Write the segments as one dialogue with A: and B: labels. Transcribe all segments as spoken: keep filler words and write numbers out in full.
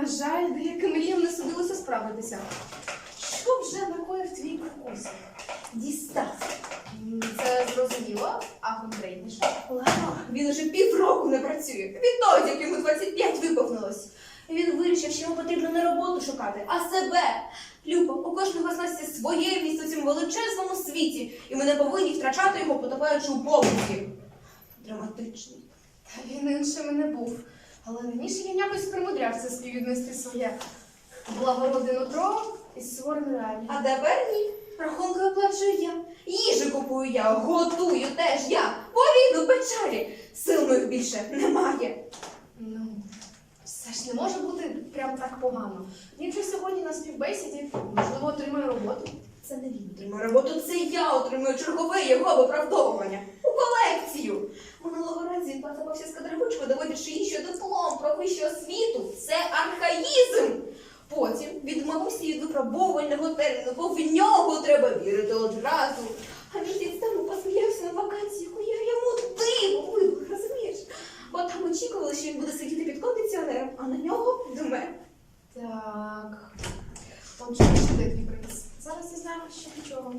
A: жаль, деяким мріям не судилося справитися. Що вже накоїв твій крокус?
B: Дістав.
A: М, Це зрозуміло, а конкретніше?
B: Ладно, він уже півроку не працює. Відтоді, як йому двадцять п'ять виповнилось. І він вирішив, що йому потрібно не роботу шукати, а себе. Люба, у кожного з нас є своє місце у цьому величезному світі, і ми не повинні втрачати його, потопаючи у побуті. Драматичний.
A: Та він іншим і не був. Але раніше я якось примудрявся співвіднести своє благородне нутро із суворою реалією.
B: А тепер ні. Рахунки оплачую я. Їжу купую я, готую теж я. Повіду печалі. Сил моїх більше немає.
A: Ну, все ж не може бути прям так погано. Він же сьогодні на співбесіді, можливо, отримає роботу.
B: Це не він отримує роботу, це я отримую чергове його виправдовування. У колекцію. Минулого разу він поцапався з кадрабичкою, доводячи їй, що диплом про вищу освіту – це архаїзм. Потім відмовився від випробовувального терміну, бо в нього треба вірити одразу. А місяць тому посміявся на вакансію, яку я йому диво вибух, розумієш? Бо там очікували, що він буде сидіти під кондиціонером, а на нього дме.
A: Так. Отже, ще де твій приз? Зараз дізнаємося, що нічого.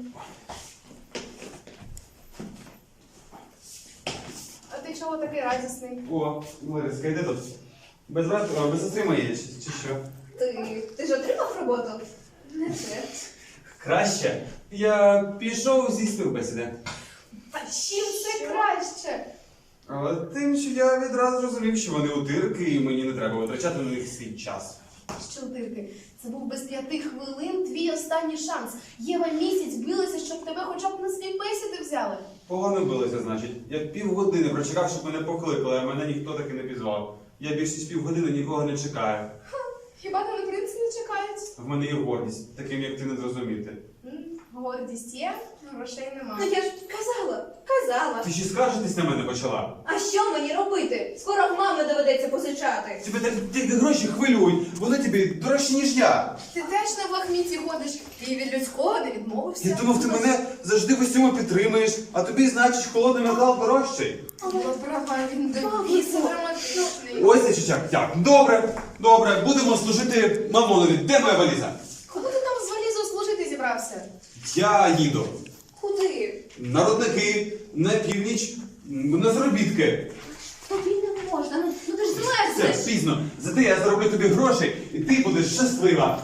A: А ти чого такий радісний?
C: О, Лариска, йди тут. Без брата, а, без сестри моєї, чи, чи що?
B: Ти, ти ж отримав роботу? Не те.
C: Краще. Я пішов зі співбесіди.
A: Та чим це краще?
C: Але тим, що я відразу зрозумів, що вони утирки, і мені не треба витрачати на них свій час.
A: Що дирки? Це був без п'яти хвилин твій останній шанс. Єва місяць билася, щоб тебе хоча б на співбесіди взяли.
C: Погано билося, значить. Я півгодини прочекав, щоб мене покликали, а мене ніхто таки не пізвав. Я більше ніж півгодини нікого не чекаю.
A: Хіба тебе принц не чекають?
C: В мене є гордість, таким як ти не зрозуміти.
A: М, Гордість є, грошей
B: Ну
A: немає.
B: я ж казала, казала.
C: Ти ще скаржитись на мене почала?
B: А що мені робити? Скоро в мами доведеться позичати.
C: Тебе так тільки гроші хвилюють, вони тобі дорожчі, ніж я.
A: Ти теж на лахміті ходиш і від людського не відмовився.
C: Я думав, ти мене завжди в усьому підтримуєш, а тобі, значить, холодний метал дорожчий.
A: Але права, він до біса драматичний.
C: Ось це чичак. Так, добре, добре, будемо служити мамонові. Де моя валіза?
A: Куди ти там з валізою служити зібрався?
C: Я їду.
B: Куди?
C: На родники, на північ, м, на заробітки.
B: Тобі не можна, ну, ну ти ж
C: Все,
B: змерзнеш.
C: пізно. Зате я зароблю тобі гроші, і ти будеш щаслива.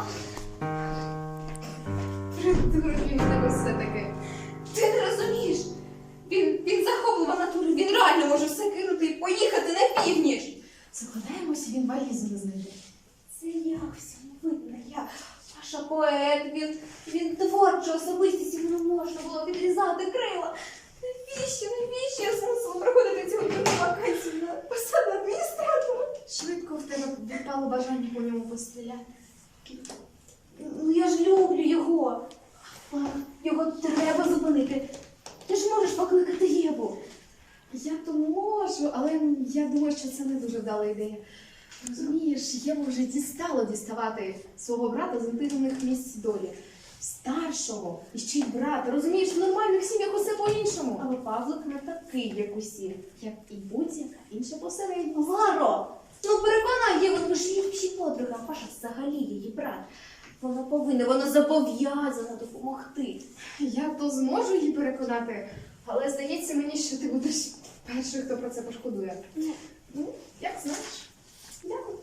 A: Придурок він тебе все-таки.
B: Ти не розумієш. Він, він захоплива натура, він реально може все кинути і поїхати на північ.
A: Закладаємося, він валізу не знайде.
B: Це я всьому винна, я. Паша поет, він, він творча особистість, йому не можна було відрізати крила. Навіщо, навіщо я змусила проходити цю одну вакансію на посаду адміністратора?
A: Швидко в тебе відпало бажання по ньому постріляти.
B: Ну я ж люблю його. Мама, його треба зупинити. Ти ж можеш покликати Єву.
A: Я то можу, але я думаю, що це не дуже вдала ідея. Розумієш, Єву вже дістало діставати свого брата з інтимних місць долі. Старшого, і ще й брата. Розумієш, в нормальних сім'ях усе по-іншому. Але Павлик не такий, як усі, як і будь-яка інша посередня.
B: Ларо, ну переконай Єву, ми ж її всі подруга, а Паша взагалі її брат. Вона повинна, вона зобов'язана допомогти.
A: Я то зможу її переконати, але здається мені, що ти будеш перший, хто про це пошкодує. Ну, як знаєш. Дякую.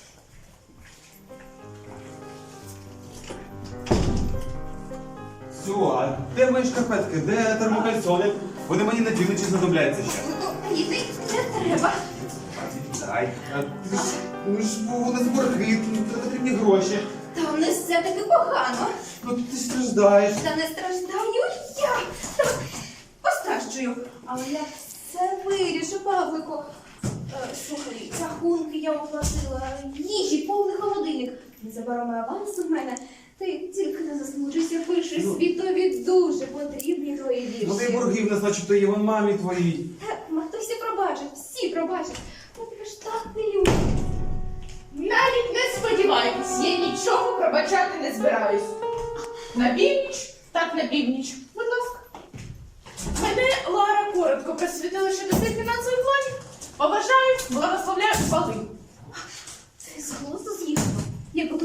C: Все, а де мої шкарпетки? Де термокальсони? Вони мені на півночі знадобляться ще.
B: Ну, йди, не треба.
C: Дай. А ти ж, ну ж, у нас борги, тут потрібні гроші.
B: Там не все таки погано.
C: Ну ти страждаєш.
B: Та не страждаю я. Та постраждую. Але я все вирішу, Павлику. Е, слухай, рахунки я оплатила, їжі, повний холодильник. Незабаром аванс у мене. Ти тільки не засмучуйся, пиши
C: Ну.
B: світові дуже потрібні твої вірші.
C: Ну ти борги в нас, начебто, є вон мамі твоїй.
B: Так, матусі пробачить, всі пробачать. Я тебе ж так не люблю.
D: Навіть не сподівайтесь, я нічого пробачати не збираюсь. На північ, так на північ. Будь ласка. Мене Лара коротко просвітила щодо цих фінансових планів. Побажаю, благословляю, спали.
B: Ти з голосу з'їхав.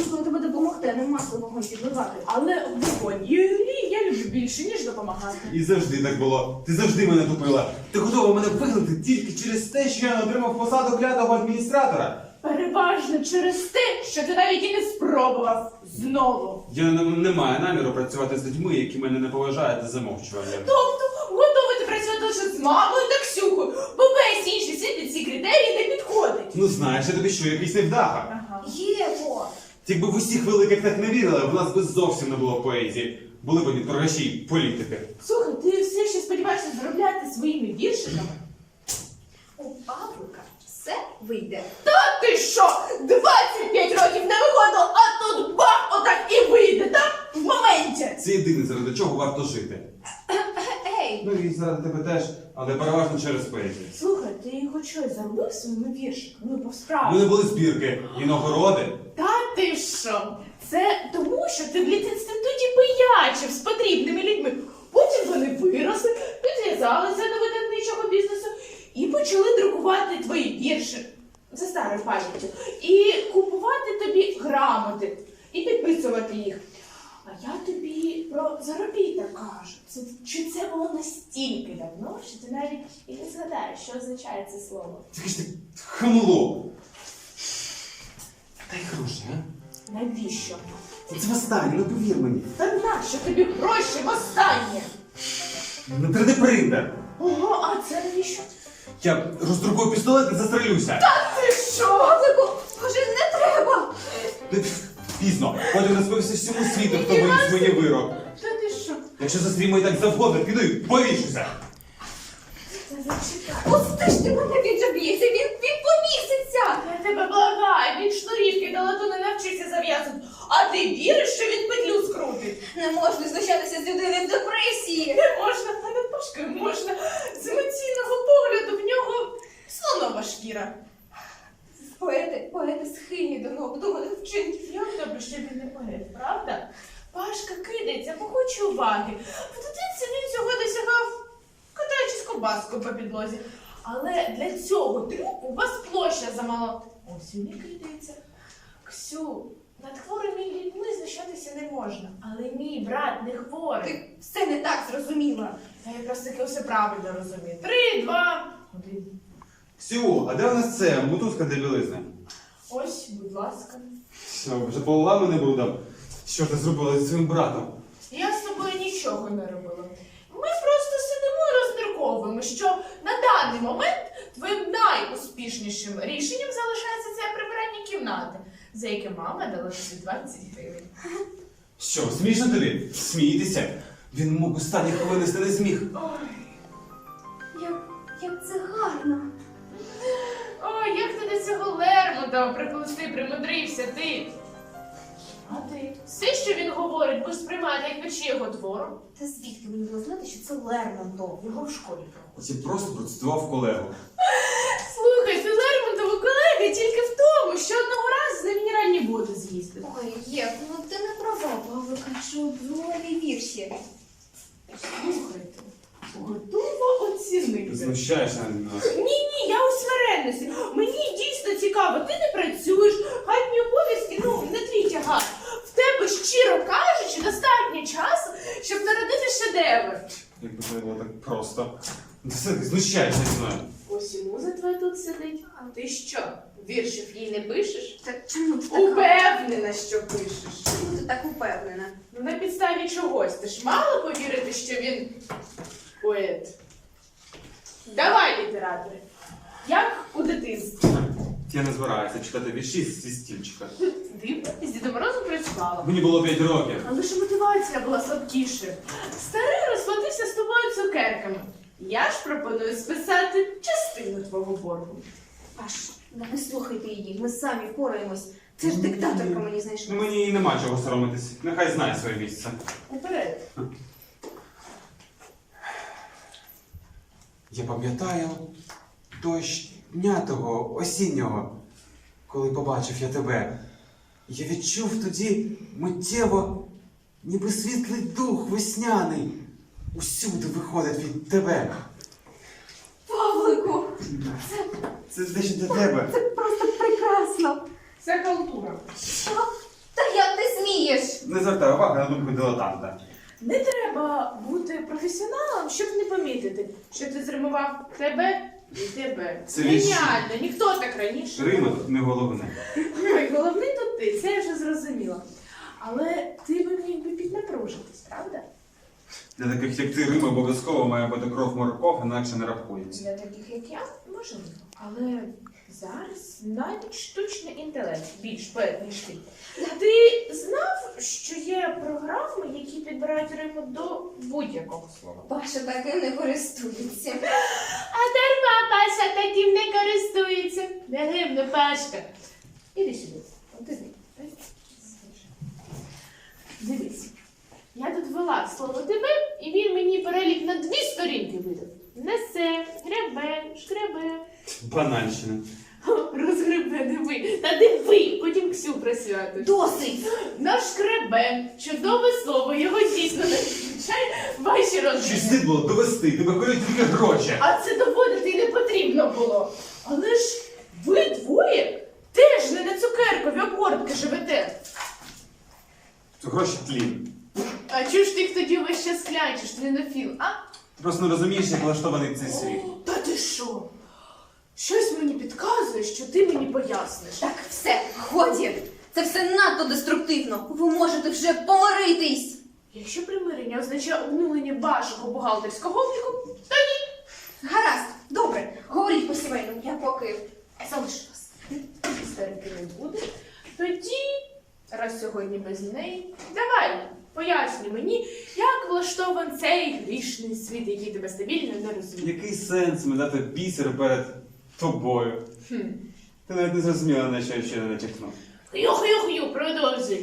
B: мусимо тебе допомогти, а не масло вогонь підливати.
D: Але вогонь і олій я люблю більше, ніж допомагати.
C: І завжди так було. Ти завжди мене тупила. Ти готова мене вигнати тільки через те, що я не отримав посаду клятого адміністратора.
D: Переважно через те, що ти навіть і не спробував знову.
C: Я не, не маю наміру працювати з людьми, які мене не поважають та замовчуванням.
D: Тобто готовий ти працювати лише з мамою та Ксюхою, бо весь інший світ під ці критерії не підходить.
C: Ну знаєш, я тобі що, якийсь невдаха.
D: Ага.
B: Єво!
C: Якби в усіх великих так не вірили, в нас би зовсім не було поезії. Були б одні торгаші й політики.
D: Слухай, ти все ще сподіваєшся заробляти своїми віршиками?
B: У Павлика все вийде.
D: Та ти що? двадцять п'ять років не виходило, а тут бах, отак і вийде, так? В моменті.
C: Це єдине, заради чого варто жити.
B: Ей!
C: Ну і заради тебе теж, але переважно через поезію.
D: Слухай, ти хоч щось заробив своїми віршиками? Ну,
C: У
D: по-справді.
C: мене були збірки і нагороди.
D: Та ти що? Це тому, що ти в літінституті пиячив з потрібними людьми. Потім вони виросли, підв'язалися до видавничого бізнесу і почали друкувати твої вірші за старою пам'яттю. І купувати тобі грамоти, і підписувати їх. А я тобі про заробіток кажу. Це, чи це було настільки давно, що ти навіть і не згадаєш, що означає це слово.
C: Тільки ж ти хамло. Дай гроші, а?
D: Навіщо?
C: Це востаннє, ну повір мені.
D: Та нащо тобі гроші востаннє?
C: На три Д принтер.
D: Ого, а це навіщо?
C: Я роздрукую пістолет і застрелюся.
D: Ти що?
B: Павлику, боже, не треба!
C: Ти пізно. Потім розповісти всьому світу, хто виніс мені вирок.
D: Та ти що?
C: Якщо застрій мої так завгодно, піду і повішуся.
D: Та зачекай.
B: Ось ти ж ти мене він же б'ється, він, він поміситься!
D: Я тебе благаю, він шнурівки до лату не навчився зав'язувати. А ти віриш, що він петлю скрутить?
B: Не можна знущатися з людини в депресії!
D: Не можна, а над Пашкою можна. З емоційного погляду в нього слонова шкіра.
B: Поети, поети схильні до необдуманих вчинків.
D: Як добре, що він не поет, правда? Пашка кидається, бо хоче уваги. В дитинці він цього досягав, катаючись ковбаскою по підлозі. Але для цього трюку у вас площа замало. Ось він і кидається. Ксю, над хворими людьми знущатися не можна. Але мій брат не хворий.
B: Ти все не так зрозуміла.
D: Я якраз таки все правильно розумію. Три, два, один.
C: Ксю, а де у нас це мотузка для білизни?
D: Ось, будь ласка.
C: Що, вже полила мене брудом? Що ти зробила зі своїм братом?
D: Я з тобою нічого не робила. Ми просто сидимо і розмірковуємо, що на даний момент твоїм найуспішнішим рішенням залишається це прибирання кімнати, за яке мама дала тобі двадцять гривень.
C: Що, смішно тобі? Смійтеся. Він мог останні хвилини не зміг.
D: Ой,
B: Як, як це гарно.
D: ой, як ти до цього Лермонтова приплести примудрився, ти. А ти? Все, що він говорить, ви сприймаєте як печі його твору.
B: Та звідки мені було знати, що це Лермонтов? Його в школі проходить.
C: Я просто процитував колегу.
D: Слухай, ти Лермонтова колега тільки в тому, що одного разу з ним мінеральні води з'їздив.
B: Ой, Єв, ну ти не права, Павлика, чудові вірші.
D: Слухайте, готова оцінити.
C: Знущаєшся над нас.
D: Ні, ні, я у смиренності. Мені дійсно цікаво, ти не працюєш, хатні обов'язки, ну, не твій тягар. В тебе, щиро кажучи, достатньо часу, щоб народити шедевр.
C: Якби це було так просто. Ти все, ти знущаєшся зі мною.
D: Ось і муза твоя тут сидить. А ти що, віршів їй не пишеш?
B: Так чому ти така?
D: Упевнена, що пишеш.
B: Чому ти так упевнена?
D: Ну, на підставі чогось. Ти ж мала повірити, що він поет. Давай, літератори. Як у дитинстві.
C: Я не збираюся читати вірші зі стільчика.
D: Дивно, з Дідом Морозом працювала.
C: Мені було п'ять років.
D: Але ж мотивація була слабкішою. Старий розплатився з тобою цукерками. Я ж пропоную списати частину твого боргу.
B: Паш, ну не слухайте її, ми самі впораємось. Це ж диктаторка мені
C: Ну,
B: знайшла.
C: мені і нема чого соромитись. Нехай знає своє місце.
D: Уперед.
C: Я пам'ятаю дощ дня того осіннього, коли побачив я тебе. Я відчув тоді миттєво, ніби світлий дух весняний усюди виходить від тебе.
B: Павлику,
C: Це дещо для тебе.
B: це просто прекрасно.
D: Це халтура.
B: Що? Та Як ти смієш?
C: Не звертай уваги на думку дилетанта.
D: Не треба бути професіоналом, щоб не помітити, що ти зримував тебе і тебе.
C: Це вірші.
D: Геніально, ніхто так раніше.
C: Рима тут не головне.
D: Ой, головний тут ти, це я вже зрозуміла. Але ти би міг би піднапружитись, правда?
C: Для таких, як ти, Рим обов'язково має бути кров морков, інакше не рахується.
D: Для таких, як я, можливо. Але зараз навіть штучний інтелект більш поет, ніж ти. Ти знав, що є програми, які підбирають риму до будь-якого слова?
B: Паша таким не користується.
D: А дарма Паша таким не користується. Не гибне Пашка. Іди сюди. От іди. Дивись. Я тут вела слово тебе, і він мені перелік на дві сторінки видав. Несе, гребе, шкребе.
C: Банальщина.
D: О, розгребе, диви. Та диви, потім Ксю присвятиш.
B: Досить!
D: Нашкребе. Чудове слово, його дійсно не включає ваші
C: Щось
D: розміри.
C: слід було довести, тебе колють тільки гроші.
D: А це доводити й не потрібно було. Але ж ви двоє теж не на цукеркові обгортки живете.
C: Це гроші тлін.
D: А чого ж ти їх тоді весь час клянчиш, твінофіл, а?
C: Ти просто не розумієш, як влаштований цей світ.
D: О, та ти що? Щось мені підказує, що ти мені поясниш.
B: Так, все, годі! Це все надто деструктивно. Ви можете вже помиритись!
D: Якщо примирення означає обнулення вашого бухгалтерського обліку, то ні.
B: Гаразд, добре, говоріть по сімейному, я поки залишу вас.
D: Істерики не буде. Тоді, раз сьогодні без неї, давай, пояснюй мені, як влаштований цей грішний світ, який тебе стабільно не розуміє.
C: Який сенс медати бісер перед тобою?
D: Хм.
C: Ти навіть не зрозуміла, на що я ще не натякнув.
D: Хю-хю-хю, продовжуй.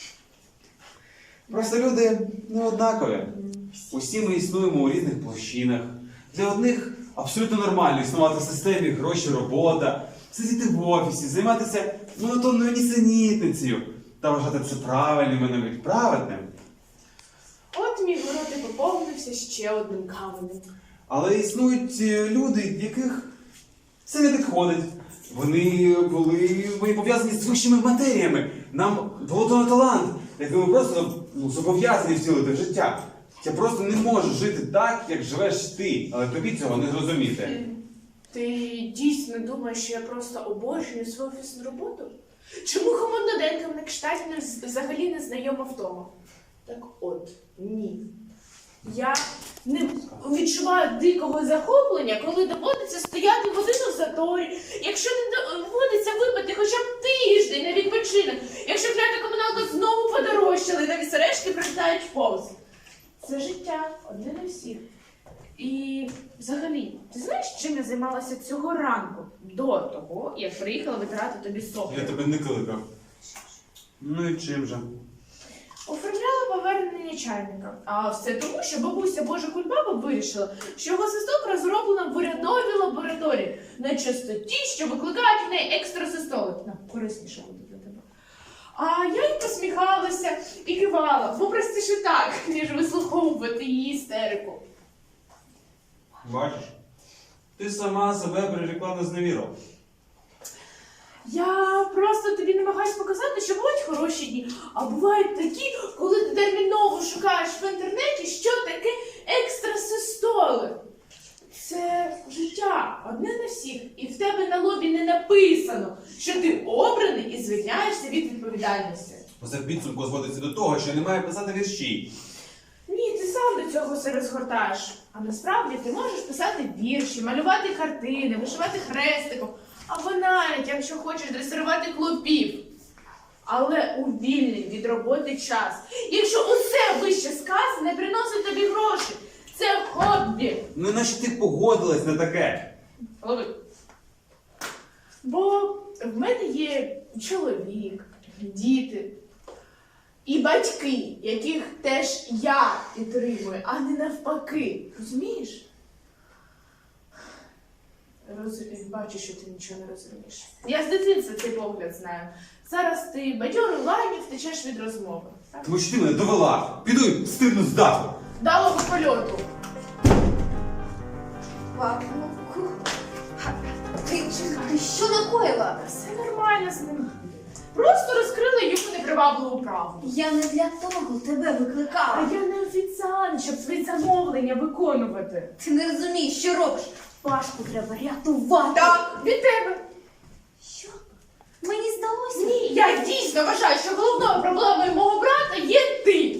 C: Просто люди не однакові. Усі ми існуємо у різних площинах. Для одних абсолютно нормально існувати в системі гроші, робота, сидіти в офісі, займатися монотонною нісенітницею та вважати це правильним і навіть праведним.
D: От мій город і поповнився ще одним каменем.
C: Але існують е, люди, яких це не підходить. Вони були вони пов'язані з вищими матеріями. Нам було дано талант, який ми просто ну, зобов'язані втілити в життя. Я просто не можу жити так, як живеш ти, але тобі цього не зрозуміти.
D: Ти дійсно думаєш, що я просто обожнюю свою офісну роботу? Чому хомондоденкам на кштаті не- взагалі не знайома втома? Так от, ні. Я не відчуваю дикого захоплення, коли доводиться стояти годину в заторі, якщо не доводиться випити хоча б тиждень на відпочинок, якщо клята комуналка знову подорожчала і навіть сережки прилітають повз. Це життя, одне на всіх. І взагалі, ти знаєш, чим я займалася цього ранку, до того, як приїхала витирати тобі соплі?
C: Я тебе не кликав. Ну і чим же?
D: Оформляла повернення чайника. А все тому, що бабуся Божа Кульбаба вирішила, що його свисток розроблено в урядовій лабораторії на частоті, що викликають в неї екстрасистоли. На, корисніше буде для тебе. А я й посміхалася і кивала, бо простіше так, ніж вислуховувати її істерику.
C: Бачиш? Ти сама себе прирекла на зневіру.
D: Я просто тобі намагаюсь показати, що бувають хороші дні, а бувають такі, коли ти терміново шукаєш в інтернеті, що таке екстрасистоли. Це життя, одне на всіх, і в тебе на лобі не написано, що ти обраний і звільняєшся від відповідальності.
C: Усе в підсумку зводиться до того, що я не маю писати вірші.
D: Ні, ти сам до цього все розгортаєш. А насправді ти можеш писати вірші, малювати картини, вишивати хрестиком, або навіть, якщо хочеш, дресирувати клопів. Але у вільний від роботи час. Якщо усе вище сказане приносить тобі гроші, це хобі.
C: Ну наче ти погодилась на таке.
D: Лови. Бо в мене є чоловік, діти і батьки, яких теж я підтримую, а не навпаки. Розумієш? Роз... Бачу, що ти нічого не розумієш. Я з дитинства цей погляд знаю. Зараз ти бадьорий лайні втечеш від розмови. Так?
C: Тому що ти мене довела. Піду і стирну з даху.
D: Далого польоту.
B: Ладно. Ти, ти що накоїла?
D: Все нормально з ним буде. Просто розкрила йому непривабливу правду.
B: Я не для того тебе
D: А
B: викликала.
D: я не офіціант, щоб свої замовлення виконувати.
B: Ти не розумієш, що робиш. Пашку треба рятувати.
D: Так, від тебе.
B: Що? Мені здалося?
D: Ні, я дійсно вважаю, що головною проблемою мого брата є ти.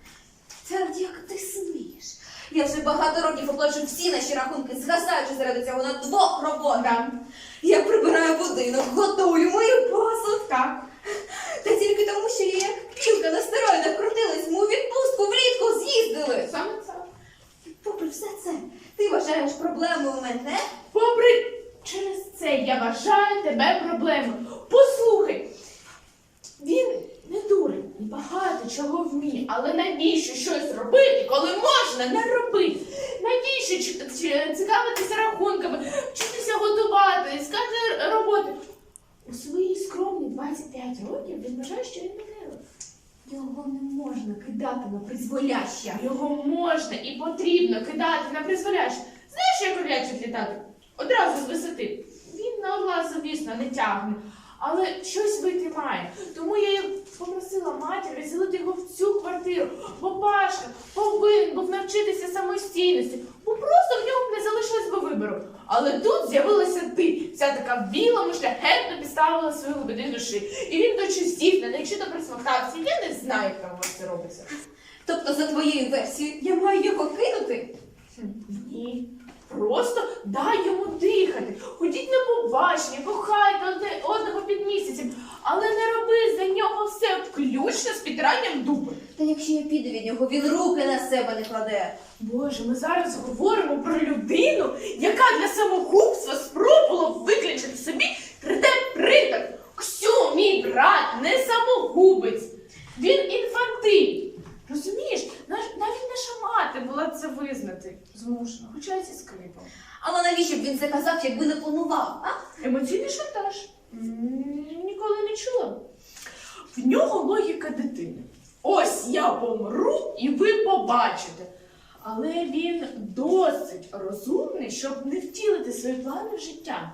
B: Та як ти смієш? Я вже багато років оплачу всі наші рахунки, згасаючи заради цього на двох роботах. Я прибираю будинок, готую, мою посуд.
D: Так.
B: Та тільки тому, що я як пілка на стероїдах крутилась, ми у відпустку влітку з'їздили.
D: Саме це.
B: Попри все це, ти вважаєш проблемою мене?
D: Попри через це я вважаю тебе проблемою. Послухай, він не дурень і багато чого вміє, але навіщо щось робити, коли можна не робити? Навіщо чи- чи- цікавитися рахунками, вчитися готувати, іскати роботи? У свої скромні двадцять п'ять років він вважає, що він мене.
B: Його не можна кидати на призволяще.
D: Його можна і потрібно кидати на призволяще. Знаєш, як орлячик літати? Одразу з висоти. Він на орла, звісно, не тягне, але щось вийти має. Тому я й попросила матір відселити його в цю квартиру. Бо Пашка повинен був навчитися самостійності, бо просто в нього не залишилось би вибору. Але тут з'явилася ти, вся така в білому, шляхетно підставила свою глибини душі. І він до чистів, не навчито присмоктався. Я не знаю, як там у вас це робиться.
B: Тобто, за твоєю версією, я маю його кинути?
D: Ні. Просто дай йому дихати. Ходіть на побачення, кохайте одне одного під місяцем, але не роби за нього все включно з підранням дуби.
B: Та якщо я піду від нього, він руки на себе не кладе.
D: Боже, ми зараз говоримо про людину, яка для самогубства спробувала виключити собі три де-принтер. Ксю, мій брат, не самогубець. Він інфантиль. Розумієш, наш- навіть наша мати була це визнати. Змушена, хоча й зі скрипом.
B: Але навіщо б він це казав, якби не планував, а?
D: Емоційний шантаж. М, Ніколи не чула. В нього логіка дитини. Ось я помру і ви побачите. Але він досить розумний, щоб не втілити свої плани в життя.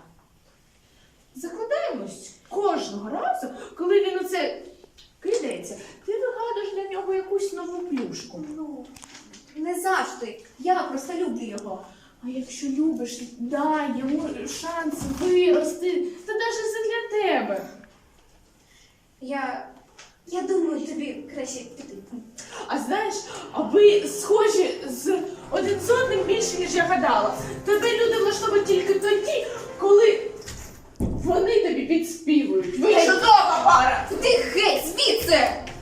D: Закладаємось кожного разу, коли він оце кидається, ти вигадуєш для нього якусь нову плюшку.
B: Ну, не завжди. Я просто люблю його.
D: А якщо любиш, дай йому шанс вирости. Це навіть задля тебе.
B: Я. Я думаю, тобі краще піти.
D: А знаєш, а ви схожі з один з одним більше, ніж я гадала. Тебе люди влаштовують тільки тоді, коли вони тобі підспівують. Ви
B: Гей!
D: чудова пара!
B: Ти геть звідси!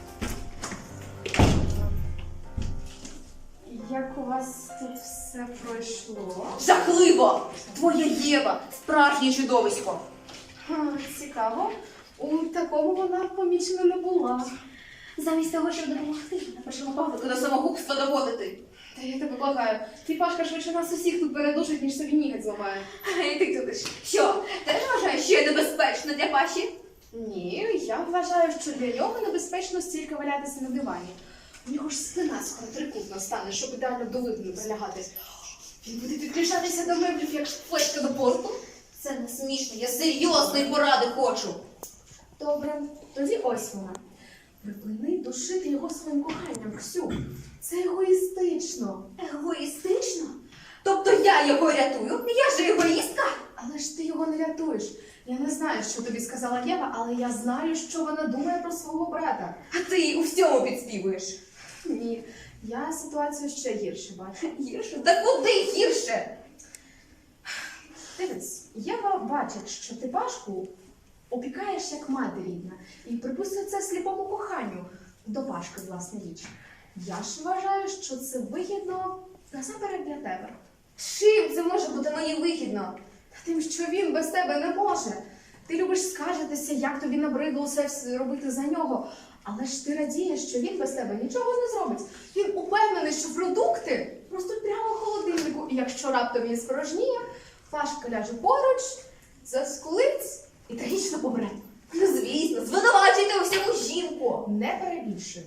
A: Як у вас тут все пройшло?
B: Жахливо! Твоя Єва, справжнє чудовисько.
A: Ха, цікаво. У такому вона помічена не була.
B: Замість того, щоб допомогти, вона почала Павлика до самогубства доводити.
A: Та я тебе благаю. Твій Пашка швидше нас усіх тут передушить, ніж собі ніготь зламає.
B: І ти тут ж. Що, теж вважаєш, що я небезпечна для Паші?
A: Ні, я вважаю, що для нього небезпечно стільки валятися на дивані. У нього ж спина скоро трикутна стане, щоб ідеально до виду не прилягати. Він буде підключатися до меблів, як флешка до порту.
B: Це не смішно, я серйозної поради хочу.
A: Добре, тоді ось вона. Припини душити його своїм коханням, Ксю. Це егоїстично.
B: Егоїстично? Тобто я його рятую? Я ж егоїстка?
A: Але ж ти його не рятуєш. Я не знаю, що тобі сказала Єва, але я знаю, що вона думає про свого брата.
B: А ти їй у всьому підспівуєш.
A: Ні, я ситуацію ще гірше бачу.
B: Гірше? Та куди гірше?
A: Дивись, Єва бачить, що ти Пашку опікаєш як мати рідна і припустить це сліпому коханню до Пашки, власне річ. Я ж вважаю, що це вигідно насамперед для тебе.
B: Чим це може бути мені вигідно?
A: Та тим, що він без тебе не може. Ти любиш скаржитися, як тобі набридло все робити за нього. Але ж ти радієш, що він без тебе нічого не зробить. Він упевнений, що продукти ростуть прямо в холодильнику. І якщо раптом він спорожніє, Пашка ляже поруч, заскулить і трагічно помре.
B: Ну, звісно, звинувачуйте у всьому жінку.
A: Не перебільшуй.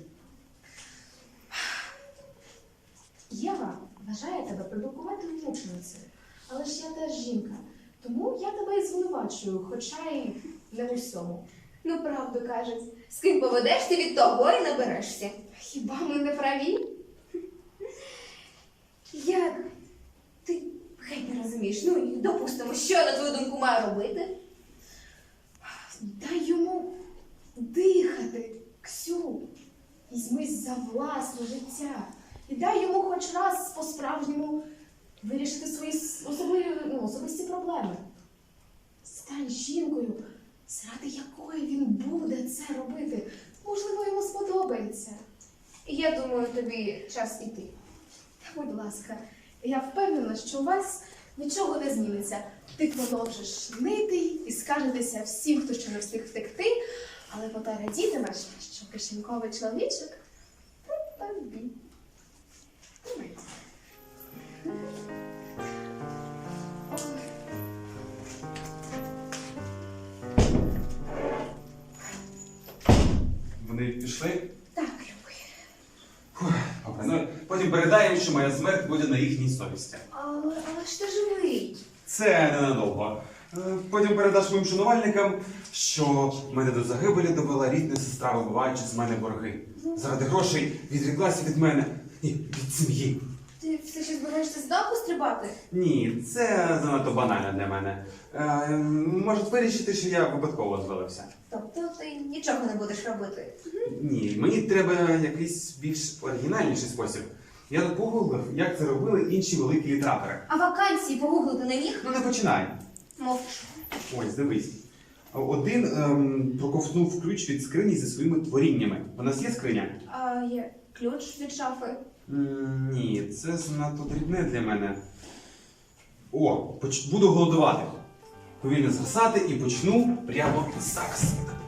A: Єва вважає тебе придуркуватою мученицею. Але ж я теж жінка. Тому я тебе і звинувачую, хоча й не в усьому.
B: Ну, правду кажуть, з ким поведешся, від того і наберешся.
A: Хіба ми не праві?
B: Я... Ти геть не розумієш. Ну, і допустимо, що, на твою думку, маю робити?
A: Дай йому дихати, Ксю. Візьмись за власне життя. І дай йому хоч раз по-справжньому вирішити свої с- особливі, ну, особисті проблеми. Стань жінкою, заради якої він буде це робити. Можливо, йому сподобається.
B: І я думаю, тобі час іти.
A: Та, будь ласка, я впевнена, що у вас нічого не зміниться. Ти продовжиш нити і скажетеся всім, хто ще не встиг втекти, але поте радітимеш, що кишеньковий чоловічок при тобі. Тримайте. Ой.
C: Вони пішли?
A: Так, любий.
C: Фух, добре. Ну, потім передаємо, що моя смерть буде на їхній совісті.
B: Але, але ж ти живий.
C: Це ненадовго. Е, Потім передаш моїм шанувальникам, що мене до загибелі довела рідна сестра, вибиваючи з мене борги. Заради грошей відріклася від мене і від сім'ї.
B: Ти все ще збираєшся з даху стрибати?
C: Ні, це занадто банально для мене. Е, Можуть вирішити, що я випадково звалився.
B: Тобто ти нічого не будеш робити.
C: Ні, мені треба якийсь більш оригінальніший спосіб. Я тут погуглив, як це робили інші великі літератори.
B: А вакансії погуглити не міг?
C: Ну не починай.
B: Мовчу.
C: Ось, дивись. Один ем, проковтнув ключ від скрині зі своїми творіннями. У нас є скриня?
B: А є ключ від шафи.
C: М, Ні, це занадто дрібне для мене. О, поч- буду голодувати. Повільно згасати і почну прямо зараз.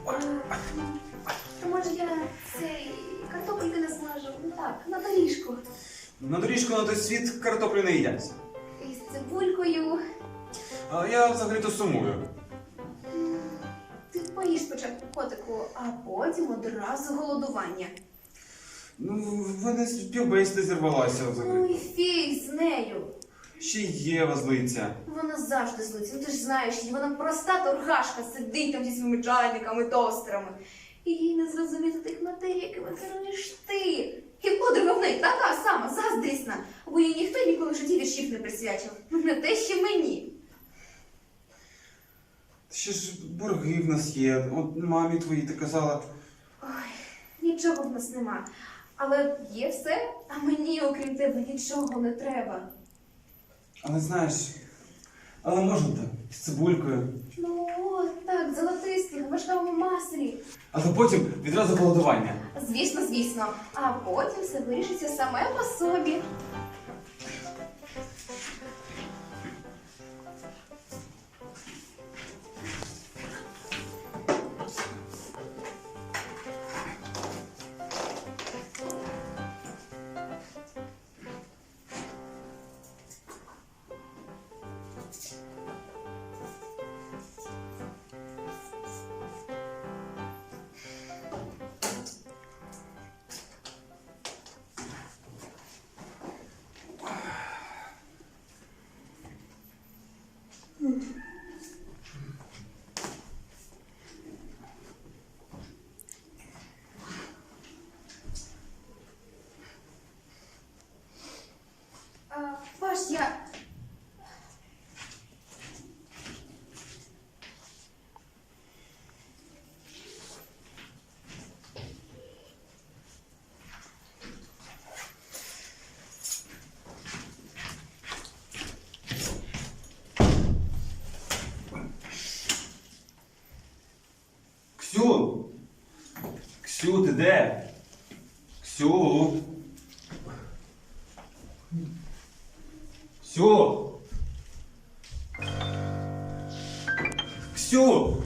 B: То може я цей картопельки не смажу? Ну так, на доріжку.
C: На доріжку на той світ картоплю не їдять.
B: Із цибулькою.
C: А я взагалі-то сумую.
B: Ти поїж спочатку котику, а потім одразу голодування.
C: Ну, в мене співбесіда зірвалася
B: Ну
C: взагалі.
B: і фіг з нею.
C: Ще й Єва злиться.
B: Вона завжди злиться. Ну ти ж знаєш, її, вона проста торгашка, сидить там зі своїми чайниками, тостерами. І їй не зрозуміти тих матерій, якими керуєш ти. І подруга в неї така сама, заздрісна, бо їй ніхто ніколи в житті віршів не присвячив. Не те, що мені.
C: Ще ж борги в нас є. От мамі твоїй ти казала.
B: Ой, нічого в нас нема. Але є все, а мені, окрім тебе, нічого не треба.
C: Але знаєш, але можна так, з цибулькою.
B: Ну, от так, золотисті, в вершковому маслі.
C: Але потім відразу голодування.
B: Звісно, звісно. А потім все вирішиться саме по собі. А, Паш, я...
C: Ксю! Ксю, ти де? Ксю! Ксю! Ксю!